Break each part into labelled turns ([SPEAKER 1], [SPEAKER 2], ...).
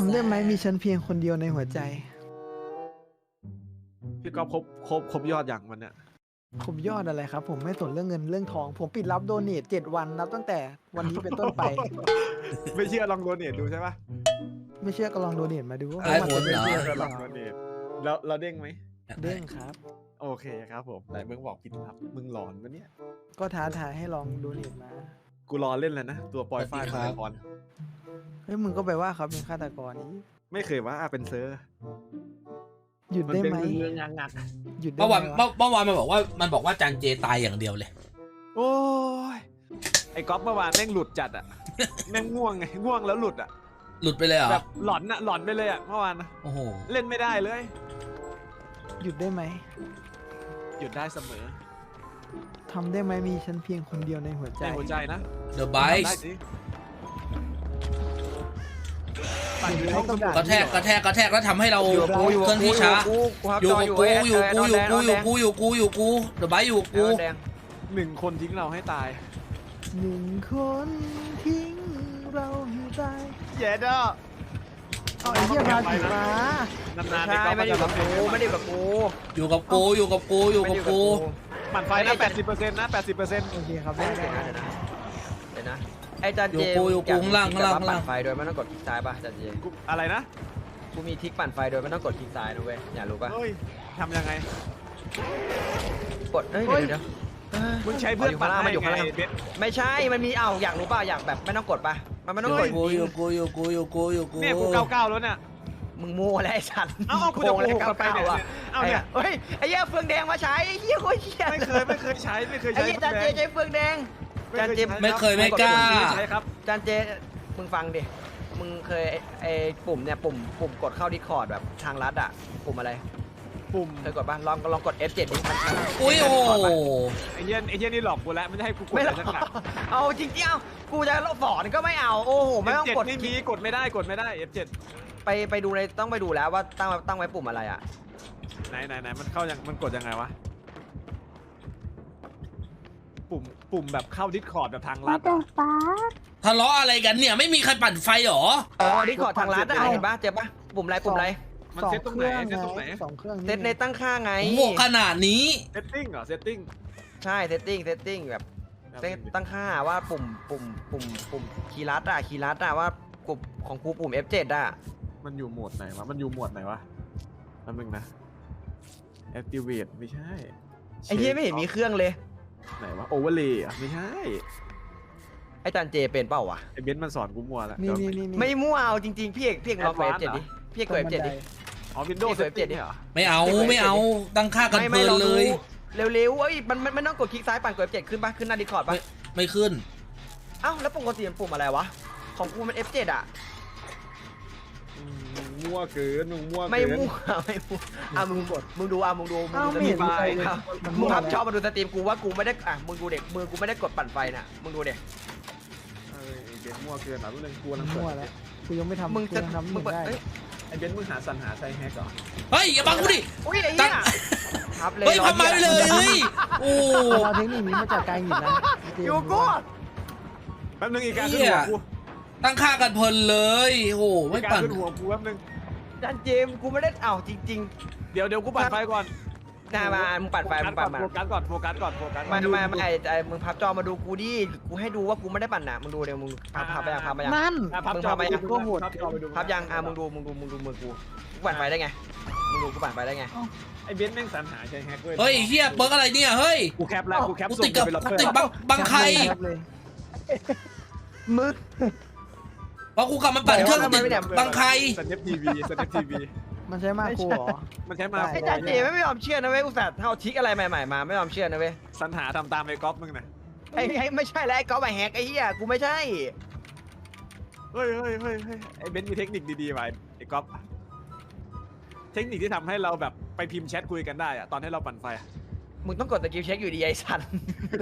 [SPEAKER 1] ำได้ไหมมีฉันเพียงคนเดียวในหัวใจ
[SPEAKER 2] พี่ก๊อฟครบยอดอย่างมันเนี่ย
[SPEAKER 1] ผมยอดอะไรครับ ผมไม่สนเรื่องเงินเรื่องทอง ผมปิดรับโดเนท7 วันนับตั้งแต่วันนี้เป็นต้นไป
[SPEAKER 2] ไม่เชื่อลองโดเนทดูใช่ปะ
[SPEAKER 1] ไม่เชื่อก็ลองโดเนทมาดูว่า
[SPEAKER 3] ไอ้
[SPEAKER 1] มัน
[SPEAKER 3] ผ
[SPEAKER 1] จะ
[SPEAKER 3] ล
[SPEAKER 1] เป็น
[SPEAKER 3] เหรอ
[SPEAKER 1] เชื่อ
[SPEAKER 2] เชื่อ
[SPEAKER 1] ห
[SPEAKER 2] ล
[SPEAKER 1] รือ อง
[SPEAKER 2] โด
[SPEAKER 1] เปล่า
[SPEAKER 2] เนทแล้วเราเด้งไหม
[SPEAKER 1] เด้งครับ
[SPEAKER 2] โอเคครับผมไหนมึงบอกผิดครับมึงหลอนปะเนี่ย
[SPEAKER 1] ก็ท้าทายให้ลองโดเนทมา
[SPEAKER 2] กูรอเล่นแล้วนะตัวปอยฝ้ายฆาตกร
[SPEAKER 1] เฮ้ยมึงก็ไปว่าเขาเป็นฆาตกรนี้
[SPEAKER 2] ไม่เคยว่าเป็นเซอร์
[SPEAKER 1] หยุด
[SPEAKER 2] มัน
[SPEAKER 1] ได้
[SPEAKER 2] เป็น
[SPEAKER 1] ไหม
[SPEAKER 2] เรื่องงัก
[SPEAKER 1] หยุดได้
[SPEAKER 3] เมื่อ
[SPEAKER 1] ไหม
[SPEAKER 3] วาน
[SPEAKER 1] วะ
[SPEAKER 3] เมื่อวานมันบอกว่าจานเจตายอย่างเดียวเลย
[SPEAKER 2] โอ้ยไอ้ก๊อฟเมื่อวานแม่งหลุดจัดอ่ะ แม่งง่วงไงง่วงแล้วหลุดอ่ะ
[SPEAKER 3] หลุดไปเลยเหรอ
[SPEAKER 2] แบบหลอนอ่ะหลอนไปเลยอ่ะเมื่อวานนะ
[SPEAKER 3] โอ้โห
[SPEAKER 2] เล่นไม่ได้เลย
[SPEAKER 1] หยุดได้ไหม
[SPEAKER 2] หยุดได้เสมอ
[SPEAKER 1] ทำได้ไหมมีฉันเพียงคนเดียวในหัวใจ
[SPEAKER 2] ในหัวใจนะ
[SPEAKER 3] The
[SPEAKER 2] ทำได้
[SPEAKER 3] Bites
[SPEAKER 2] สิปั่นอยู่ในห้องสมุด
[SPEAKER 3] กระแทกแล้วทำให้เรา
[SPEAKER 4] อยู่กับกูอยู่
[SPEAKER 3] เคลื่อนที่ช้า
[SPEAKER 4] อยู่
[SPEAKER 3] อยู่
[SPEAKER 4] กับ
[SPEAKER 3] กับ
[SPEAKER 4] กู
[SPEAKER 3] กูอยู่กูอยู่กูอยู่
[SPEAKER 4] กู
[SPEAKER 3] กูอยู่กู The Bites อยู่กับกู
[SPEAKER 4] แดง
[SPEAKER 2] 1 คนทิ้งเราให้ตาย
[SPEAKER 1] 1 คนทิ้งเราให้ตาย
[SPEAKER 2] เย้ด้อ
[SPEAKER 1] เอาไอ้เหี้ยพาผีมา
[SPEAKER 2] นานๆ
[SPEAKER 4] ใช่ไม่ได้อยู่กับกูไม่ได้อยู่กับกู
[SPEAKER 3] อยู่กับกูอยู่กับกูอยู่กับกู
[SPEAKER 2] ปั่นไฟนะ 80%นะ 80%
[SPEAKER 1] โอเคครับ
[SPEAKER 4] เดี๋
[SPEAKER 1] ได้
[SPEAKER 4] ยว
[SPEAKER 1] ได้
[SPEAKER 4] นะเดี๋ยวนะไอ้จันเจ
[SPEAKER 3] อยู่กูข้างล่าง
[SPEAKER 4] ปั่นไฟโดยไม่ต้องกดคลิกซ้ายป่ะจันเจ
[SPEAKER 2] กูอะไรนะ
[SPEAKER 4] กูมีทิกปั่นไฟโดยไม่ต้องกดคลิกซ้ายนะเว้ยอยากรู้ป่ะ
[SPEAKER 2] เฮ้ยทำยังไง
[SPEAKER 4] กดเฮ้ยเดี๋ยว
[SPEAKER 2] มึงใช้เพื่อนปั่น
[SPEAKER 4] มัน
[SPEAKER 2] ให้
[SPEAKER 4] อยู่ข้าง
[SPEAKER 2] ไง
[SPEAKER 4] ล่าง
[SPEAKER 2] เบส
[SPEAKER 4] ไม่ใช่มันมีอยากรู้ป่ะอยากแบบไม่ต้องกดป่ะมันไม่ต้องกด
[SPEAKER 3] อยู่กูอยู่กูอยู่กูอยู่กู
[SPEAKER 2] เนี่ยกู99แล้วเนี่ย
[SPEAKER 4] มึงมั่วแล้วไอ้สัน
[SPEAKER 2] เอ้ากูจะโกหก
[SPEAKER 4] เก้า
[SPEAKER 2] ไปเนี่ย
[SPEAKER 4] อ่ะ
[SPEAKER 2] เอาเนี่ย
[SPEAKER 4] เฮ้ยไอ้เหี้ยเฟืองแดงมาใช้ไอ้เหี้ยโคตรเหี้ย
[SPEAKER 2] ไม่เคยใช้ไม่เคย
[SPEAKER 4] ไอ้
[SPEAKER 2] ใช้
[SPEAKER 4] เหี้ยจันเจใช้เฟืองแดง จานเจ
[SPEAKER 3] ไม่เคยไม่กล้า
[SPEAKER 2] ใช้ครับ
[SPEAKER 4] จันเจมึงฟังดิมึงเคยไอ้ปุ่มเนี่ยปุ่มกดเข้าดิคอร์ดแบบทางลัดอ่ะปุ่มอะไร
[SPEAKER 2] ปุ่ม
[SPEAKER 4] เคยกดป่ะลองกด F7 ดิมัน
[SPEAKER 3] อุ้ยโอ้โห
[SPEAKER 2] ไอ้เหี้ยนี่หลอกกูแล้วไม่ได้ให้กูกด
[SPEAKER 4] ไม่
[SPEAKER 2] อะไร
[SPEAKER 4] หร
[SPEAKER 2] สัก
[SPEAKER 4] อก
[SPEAKER 2] หลัก
[SPEAKER 4] เอาจริงๆเอากูจะสอนก็ไม่เอาโอ้โหไม่ต้อง
[SPEAKER 2] F7
[SPEAKER 4] กด
[SPEAKER 2] ไม่มีกดไม่ได้F7
[SPEAKER 4] ไปดูในต้องไปดูแล้วว่าตั้งไว้ปุ่มอะไรอ่ะ
[SPEAKER 2] ไหนมันเข้ายังมันกดยังไงวะปุ่มแบบเข้าดิสคอร์ดแบบทางลัดอะ
[SPEAKER 3] ทะเลาะอะไรกันเนี่ยไม่มีใครปั่นไฟหรอ
[SPEAKER 4] อ๋อดิคอร์ดทางลัดอ่ะเห็นป่ะเจ็บป่ะปุ่มอะไรปุ่มอะไร
[SPEAKER 2] มัน
[SPEAKER 1] สอง
[SPEAKER 2] เซตตรง
[SPEAKER 1] เค
[SPEAKER 2] ไหน
[SPEAKER 1] รื่อง
[SPEAKER 2] เซตตรงไหน
[SPEAKER 1] สองเครื่อง
[SPEAKER 4] เซตในตั้งค่าไง
[SPEAKER 3] โหขนาดนี้
[SPEAKER 2] เซตติ้งเหรอเซตติ้ง
[SPEAKER 4] ใช่เซตติ้งแบบเซตตั้งค่าว่าปุ่มคีย์ลัดว่ากลุ่มของกูปุ่ม F7 อ่ะ
[SPEAKER 2] มันอยู่โหมดไหนวะมันอยู่โหมดไหนวะแป๊บนึงนะ activate ไม่ใช่
[SPEAKER 4] ไอ้เหี้ยไม่เห็นมีเครื่องเลย
[SPEAKER 2] ไหนวะ overlay อ่ะไม่ใช่
[SPEAKER 4] ไอ้จันเจเป็นเปล่าวะ
[SPEAKER 2] ไอ้เบนซ์มันสอนกูมัวแล้ว
[SPEAKER 1] นี่
[SPEAKER 4] ไม่มั่วเอาจริงๆพี่เอกลองกด F7 ดิพี่เอกกด F7 ดิ
[SPEAKER 2] อ๋อ Windows
[SPEAKER 4] เปิด
[SPEAKER 2] setting
[SPEAKER 4] ดิ
[SPEAKER 2] เนี่ยเหรอ
[SPEAKER 3] ไม่เอาตั้งค่ากันเพลิน
[SPEAKER 4] ลอง
[SPEAKER 3] เล
[SPEAKER 4] ดู
[SPEAKER 3] ย
[SPEAKER 4] เร็วๆเอ้ยมันไม่ต้องกดคลิกซ้ายปั่นกด F7 ขึ้นป่ะขึ้นหน้าดิคอร์ดป่ะ
[SPEAKER 3] ไม่ขึ้น
[SPEAKER 4] เอ้าแล้วปกติมันปุ่มอะไรวะของกูมัน F7 อ่ะ
[SPEAKER 2] มึงมั่วเกินมึงมั่วเกิน
[SPEAKER 4] ไม่มั่วอ่ะมึงกดมึงดูส
[SPEAKER 1] อ้าว
[SPEAKER 4] ต
[SPEAKER 1] ไม่
[SPEAKER 4] รี
[SPEAKER 1] เห็
[SPEAKER 4] ม
[SPEAKER 1] นมีใครเลย
[SPEAKER 4] มึงพับชอบมาดูสตรีมกูว่ากูไม่ได้อ่ะมึงดูเด็กมือกูไม่ได้กดปั่นไฟน่ะมึงดูเด็ก
[SPEAKER 2] เอ้ยไอ้เบนซ์มั่วเกินอ่ะรู้เรื่องกูกำลัง
[SPEAKER 1] มั่ว
[SPEAKER 2] เปิด
[SPEAKER 1] แล้วกูยังไม่ทำ
[SPEAKER 4] มึง
[SPEAKER 1] กู
[SPEAKER 4] จะ
[SPEAKER 1] ยังทำ
[SPEAKER 4] มึ
[SPEAKER 1] มึ
[SPEAKER 4] ง
[SPEAKER 1] ง
[SPEAKER 4] เปิด
[SPEAKER 1] ได้
[SPEAKER 4] เอ้ย
[SPEAKER 2] ไอ้เบนซ์มึงหาสรรหาใช้แฮกเหรอ
[SPEAKER 3] เฮ้ยอย่าบังกูดิ
[SPEAKER 4] อุ้ยไอ้
[SPEAKER 3] ตั้
[SPEAKER 4] เหี้
[SPEAKER 3] ง
[SPEAKER 4] ยครับเลย
[SPEAKER 3] เฮ้ยทำไมเลยเฮ้ยโอ้
[SPEAKER 1] เอาเทคนิคนี้มาจากการหยิบนะ
[SPEAKER 4] อยู่กู
[SPEAKER 2] แป๊บนึงอีกการขึ้นหัวกู
[SPEAKER 3] ตั้งค่ากันเพลินเลยโอ้ไม่
[SPEAKER 2] อีกการ
[SPEAKER 3] ปั่น
[SPEAKER 2] ขึ้นหัวกูแป๊บนึง
[SPEAKER 4] จันเจมกูไม่ได้เอ้าจริง
[SPEAKER 2] เดี๋ยวกูปั่นไฟก่อน
[SPEAKER 4] ๆน่ามามึงปั่นไฟมึงปั่นมา
[SPEAKER 2] โฟกัสก่อนโฟกัสก่อน
[SPEAKER 4] ไม่ไอ้มึงพับจอมาดูกูดิกูให้ดูว่ากูไม่ได้ปั่นน่ะมึงดูเดี๋ยวมึงพับไปยัง
[SPEAKER 1] นั่น
[SPEAKER 2] พับจอไปดูพับจอไปดู
[SPEAKER 4] พับยังมึงดูมือกูปั่นไฟได้ไงมึงดูกูปั่นไฟได้ไง
[SPEAKER 2] ไอ้เบนซ์แม่งสรรหาใช้แฮกด้วย
[SPEAKER 3] เฮ้ยเฮียเบิร์กอะไรเนี่ยเฮ้ย
[SPEAKER 2] กูแคปแล้วกูแคป
[SPEAKER 3] กู
[SPEAKER 2] ส่
[SPEAKER 3] ติ
[SPEAKER 2] ง
[SPEAKER 3] ดกับ
[SPEAKER 2] ไปล็อกเกอ
[SPEAKER 3] ติด
[SPEAKER 2] ร์
[SPEAKER 3] บังใคร
[SPEAKER 1] เลย
[SPEAKER 4] มึง
[SPEAKER 3] เพราะกูกลับมาปั่นเครื่อง
[SPEAKER 4] ทำไม
[SPEAKER 3] ติด
[SPEAKER 4] ไม่เนี่ย
[SPEAKER 3] บังใคร
[SPEAKER 2] สเนปทีวี
[SPEAKER 1] มันใช้มากกูเหรอ
[SPEAKER 2] มันใช้มา
[SPEAKER 1] ได้
[SPEAKER 4] ไอ้จันเจไม่ยอมเชื่อนะเว้ยอุตส่าห์เอาทิกอะไรใหม่ๆมาไม่ยอมเชื่อนะเว้ย
[SPEAKER 2] สรรหาทำตามไอ้ก๊อฟมึงนะ
[SPEAKER 4] ไอ้ไม่ใช่แล้วไอ้ก๊อฟไอ้แฮกไอ้เหี้ยกูไม่ใช่
[SPEAKER 2] เฮ้ยไอ้เบนซ์มีเทคนิคดีๆไว้ไอ้ก๊อฟเทคนิคที่ทำให้เราแบบไปพิมพ์แชทคุยกันได้อะตอนให้เราปั่นไฟอะ
[SPEAKER 4] มึงต้องกดสกิลเช็คอยู่ดีไอ้สัน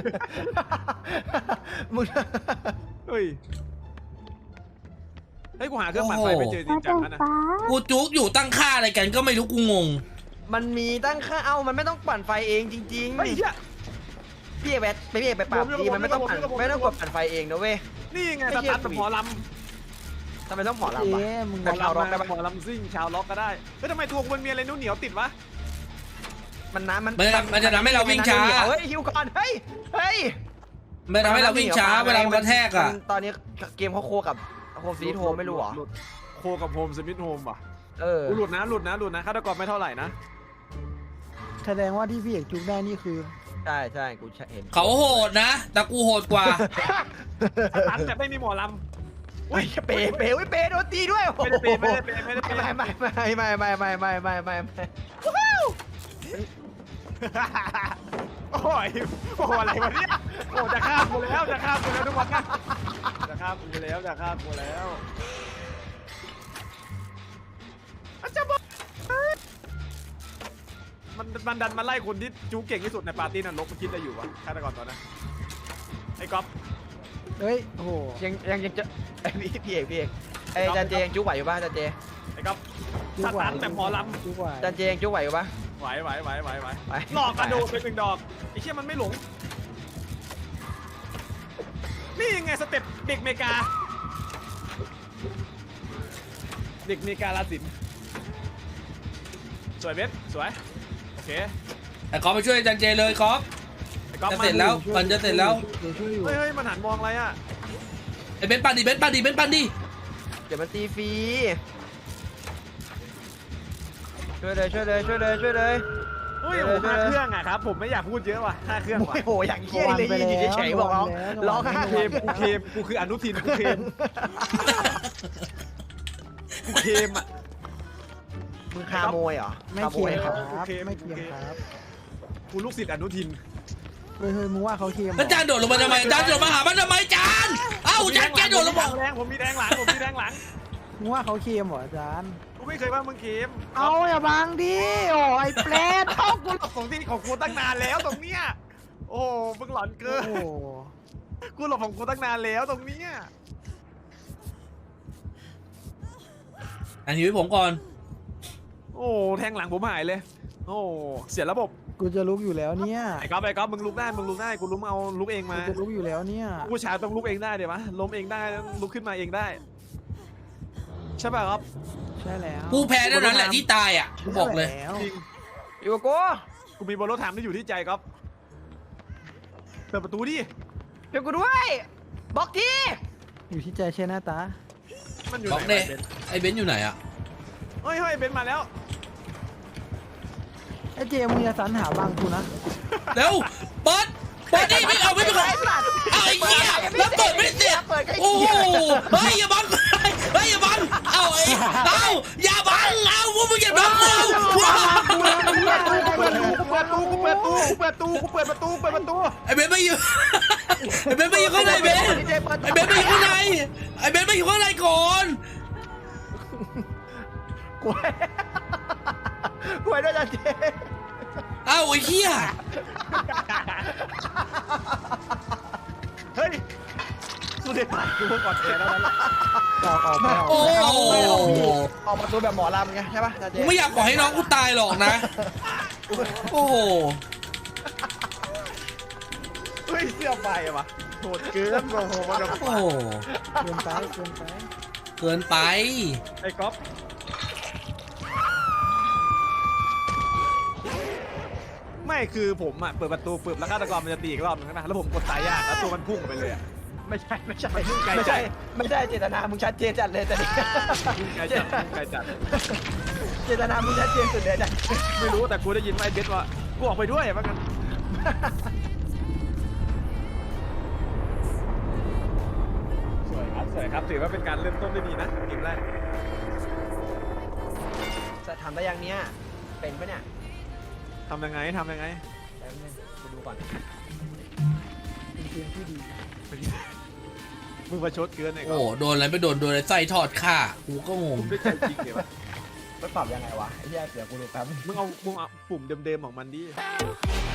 [SPEAKER 4] มึง
[SPEAKER 2] เฮ้ยกูหาเครื่องปั่นไฟไม่เจอจริงจังนะ
[SPEAKER 3] กูจุกอยู่ตั้งค่าอะไรกันก็ไม่รู้กูงง
[SPEAKER 4] มันมีตั้งค่ามันไม่ต้องปั่นไฟเองจริง
[SPEAKER 2] เฮ้ย
[SPEAKER 4] ๆพี่เอกไปปรับดีมันไม่ต้องกดปั่นไฟเองนะเว้ย
[SPEAKER 2] นี่ไง
[SPEAKER 4] ไม่
[SPEAKER 2] ส
[SPEAKER 4] เชื่อ
[SPEAKER 2] ตาร์ท
[SPEAKER 4] กูอีก
[SPEAKER 2] หมอล
[SPEAKER 4] ทำไมต้องหมอลำ
[SPEAKER 1] เจ๊
[SPEAKER 4] วะ
[SPEAKER 1] มึง
[SPEAKER 2] แต่
[SPEAKER 1] บอก
[SPEAKER 2] ชาวร็อก
[SPEAKER 4] ได้
[SPEAKER 2] ได้
[SPEAKER 4] ปะ
[SPEAKER 2] หมอลำซิ่งชาวล็อกก็ได้เฮ้ยทำไมตัวมันมีอะไรเหนียวๆติดวะ
[SPEAKER 4] มันน้ำมัน
[SPEAKER 3] มันจะทำให้เราวิ่งช้า
[SPEAKER 4] เฮ้ยฮิวก่อนเฮ้ยเฮ้ย
[SPEAKER 3] มันทำให้เราวิ่งช้าเวลามันกระแทกอ่ะ
[SPEAKER 4] ตอนนี้เกมเขาโคกับโฮมซีโฮมไม่รู้เหรอ
[SPEAKER 2] หลุดโคกับโฮมสมิธโฮมป่ะ
[SPEAKER 4] เออ
[SPEAKER 2] หลุดนะฆาตกรไม่เท่าไหร่นะ
[SPEAKER 1] แสดงว่าที่พี่เอกจุกได้นี่คือ
[SPEAKER 4] ใช่ใช่กูเห็น
[SPEAKER 3] เขาโหดนะ แต่กูโหดกว่า
[SPEAKER 2] สตันแต่ไม่มีหมอลำ
[SPEAKER 4] อุ้ยเป๋โดนตีด้วย
[SPEAKER 2] ไม่ได้เปย์ไม่ได้เปย์ไม่ได้เปย์
[SPEAKER 4] ไม่
[SPEAKER 2] โอ้ยโอ้โหอะไรวะเนี่ยโอ้จะฆ่ากูแล้วทุกวันนะจะฆ่ากูแล้วอาจจะบอกมันดันมาไล่คนที่จูเก่งที่สุดในปาร์ตี้นรกมันคิดอะไรอยู่วะฆาตกรตอนนั้นไอ้ก๊อฟ
[SPEAKER 1] เฮ้ยโอ้โห
[SPEAKER 4] ยังจะไอ้พี่เอกไอ้จันเจยังจุ๊ไหวอยู่ป่ะจันเจ
[SPEAKER 2] ไอ้ก๊อฟสตันแต่หมอลำ
[SPEAKER 1] จุกไหว
[SPEAKER 4] จันเจยังจุ๊ไหวอยู่ป่ะ
[SPEAKER 2] ไหว
[SPEAKER 4] ไป
[SPEAKER 2] หลอกกระโดดไป1 ดอกไอ้เชี่ยมันไม่หลงนี่ยังไงสเต็ปเด็กเมกาลาสินสวยเบสสวยโอเค
[SPEAKER 3] แต่ก๊อฟไปช่วยจันเจเลยก๊อฟ
[SPEAKER 2] ไอ้ก๊อฟ
[SPEAKER 3] จะ
[SPEAKER 2] มา
[SPEAKER 3] เสร็จแล้ว มันจะเสร็จแล้ว
[SPEAKER 1] เดี๋ยวช่วยอยู่
[SPEAKER 2] เฮ้ยมันหันมองอะไรอ่ะ
[SPEAKER 3] ไอ้เบนซ์ปั่นดิเบนซ์ปั่นดิ
[SPEAKER 4] เดี๋ยวมันตีฟรีช่วยเลย
[SPEAKER 2] เฮ้ยโอ้โห5 เครื่องอ่ะครับผมไม่อยากพูดเยอะว่ะ5 เครื่องว่ะ
[SPEAKER 4] โอ้โหอย่างเงี้ยเลยยืนอยู่เฉยๆบอกร้องห้า
[SPEAKER 2] เคมกูคืออนุทินกูเคมอ่ะ
[SPEAKER 4] มึงคาโมยเหรอ
[SPEAKER 1] ไม่
[SPEAKER 4] คาโม
[SPEAKER 1] เคีย
[SPEAKER 4] ย
[SPEAKER 1] งครับ
[SPEAKER 2] โอเค
[SPEAKER 1] ไม่เคียงครับ
[SPEAKER 2] กูลูกศิษย์อนุทิน
[SPEAKER 1] เฮ้ยมึงว่าเขาเคียงเหร
[SPEAKER 3] แล้วจานโดดลงมาทำไมจานโดดมาหามันทำไมจานเอ้าจานแกโดดลงมา
[SPEAKER 2] ผมมีแดงหลัง
[SPEAKER 1] มึงว่าเขาเคียงเหรออาจารย์
[SPEAKER 2] กูไม่เคยว่ามึงเคม
[SPEAKER 1] เอาอย่าบังดิโอ้ไอ้เปรต
[SPEAKER 2] เอ้ากูหลบของที่ของกูตั้งนานแล้วตรงเนี้ยโอ้มึงหลอนเกิ
[SPEAKER 1] โอ้
[SPEAKER 2] น
[SPEAKER 1] โห
[SPEAKER 2] กูหลบของกูตั้งนานแล้วตรงเนี้ย
[SPEAKER 3] อันนี้ไว้ผมก่อน
[SPEAKER 2] โอ้แทงหลังผมหายเลย โอ้เสียระบบ
[SPEAKER 1] กูจะลุกอยู่แล้วเนี่ย
[SPEAKER 2] ไอ้ก๊อฟมึงลุกได้กูลุกเอาลุกเอง
[SPEAKER 1] กู
[SPEAKER 2] มา
[SPEAKER 1] จะลุกอยู่แล้วเนี่ย
[SPEAKER 2] ผู้ชายต้องลุกเองได้เดี๋ยวมะล้มเองได้ลุกขึ้นมาเองได้ใช่ป่ะครับ
[SPEAKER 1] ใช่แล้ว
[SPEAKER 3] กูแพ้เท่านั้นแหละที่ตายอ่ะกูบอกเลย
[SPEAKER 1] ใช่แล้ว
[SPEAKER 2] จริง
[SPEAKER 4] อยู่กับกู
[SPEAKER 2] กูมีบอลรถถามที่อยู่ที่ใจก๊อฟเปิดประตูดิ
[SPEAKER 4] เดี๋ยวกูด้วยบอกที
[SPEAKER 1] อยู่ที่ใจใช่หน้าตา
[SPEAKER 2] มันอยู่
[SPEAKER 3] บ
[SPEAKER 2] ไห
[SPEAKER 3] อน กเด้ไอ้เบนซ์อยู่ไหนอ่ะ
[SPEAKER 2] เฮ้ยเบนซ์มาแล้ว
[SPEAKER 1] ไอ้เจมึงอย่าสรรหาบังกูนะ
[SPEAKER 3] เร็วเปิดนี่ไม่เอาไม่เป็นไรเอาไอ้เหี้ยแล้วเปิดไม่เสร็จโอ้โหเฮ้ยอย่าบังอย่าบังเอาอย่าบังเอาพวกมึงอย่าบังกู
[SPEAKER 2] กูเปิดประตู
[SPEAKER 3] ไอ้เบนซ์ไม่อยู่ไอ้เบนซ์ไม่อยู่ข้างในเบนซ์ไอ้เบนซ์ไม่อยู่ข้างในไอ้เบนซ์ไม่อยู่ข้างในก่อน
[SPEAKER 4] กูด้วยจันเจ
[SPEAKER 3] เอ้าไอ้เหี้ย
[SPEAKER 2] เฮ้ยกูได้ผ่านกูก่อนแกแล้วนะ
[SPEAKER 1] ออกไปออก
[SPEAKER 3] โอ้
[SPEAKER 4] ออกประตูแบบหมอลำไงใช่ป่ะจันเจ
[SPEAKER 3] กูไม่อยากปล่อยให้น้องกูตายหรอกนะโอ้โห
[SPEAKER 2] เฮ้ยเสื้อไฟอะวะโหดเกินโอ้โหมันแบบ
[SPEAKER 3] โอ้โห
[SPEAKER 1] เกินไป
[SPEAKER 3] เกินไป
[SPEAKER 2] ไอ้ก๊อฟไม่คือผมอะเปิดประตูปึ๊บแล้วฆาตกรมันจะตีอีกรอบนึงนะแล้วผมกดตายยากแล้วตัวมันพุ่งไปเลยอะ
[SPEAKER 4] ไม่ใช่
[SPEAKER 2] ไม่ใช่
[SPEAKER 4] เจตนามึงชัดเจนจัดเลยแต่นี่
[SPEAKER 2] พุ่งไกลจัด
[SPEAKER 4] เจตนามึงชัดเจนสุดเลยจัน
[SPEAKER 2] ไม่รู้แต่กูได้ยินว่าไอ้เบสว่ากูออกไปด้วยว่ากันสวยครับถือว่าเป็นการเริ่มต้นได้ดีนะเกมแรก
[SPEAKER 4] จะทำได้ยังเนี้ยเป็นปะเนี่ย
[SPEAKER 2] ทำยังไง
[SPEAKER 4] แป๊บนึงกูดูก่อน
[SPEAKER 1] เป็นเกมที่ดี
[SPEAKER 2] มึงประชดเกินไอ้
[SPEAKER 3] โอ้
[SPEAKER 2] ก๊อฟ
[SPEAKER 3] โดนอะไรไม่โดนอะไรไส้ทอดข่ากูก็งง
[SPEAKER 2] มึงได้ใจจริงเลยวะ
[SPEAKER 4] มันปรับยังไงวะไอ้เหี้ยเดี๋ยวกูดูแป๊บ
[SPEAKER 2] มึงเอาปุ่มเดิมๆของมันดิ